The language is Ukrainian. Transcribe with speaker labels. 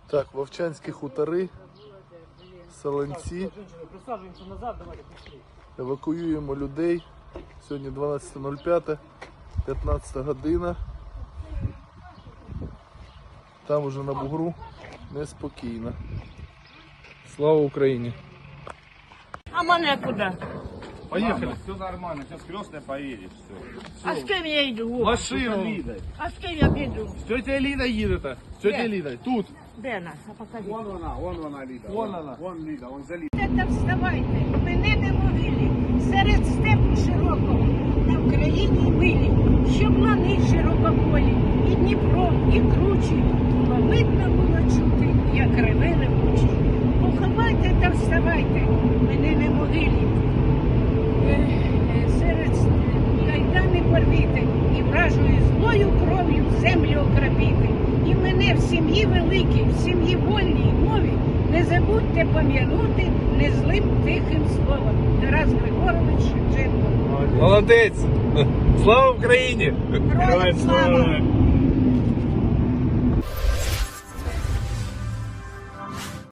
Speaker 1: Так, Вовчанські хутори, Солонці. Евакуюємо людей. Сьогодні 12.05, 15 година. Там уже на бугру неспокійно. Слава Україні!
Speaker 2: А мене куди?
Speaker 1: Поехали.
Speaker 3: Все нормально, сейчас крестная поедешь, все.
Speaker 2: А з ким я йду?
Speaker 1: Машину.
Speaker 2: А з ким я піду?
Speaker 1: З тетя Ліда їдете. З тетя
Speaker 2: Де?
Speaker 1: Ліда. Тут.
Speaker 2: Де нас? А покажи.
Speaker 3: Вон она, Лида.
Speaker 1: Вон она.
Speaker 3: Вон Лида, вон за Лидой.
Speaker 4: Та вставайте, мене не могили, серед степу широкого, на Україні милі, щоб лани широкополі, і Дніпро, і кручі, було видно було чути, як реве ревучі. Поховайте та вставайте, мене не могили, серед кайдани порвіте, і вражою злою кров'ю землю окропіти. І мене в сім'ї великій, в сім'ї вольній мові, не забудьте пом'янути незлим тихим словом. Тарас Григорович Шевченко.
Speaker 1: Молодець! Слава Україні!
Speaker 4: Героям слава!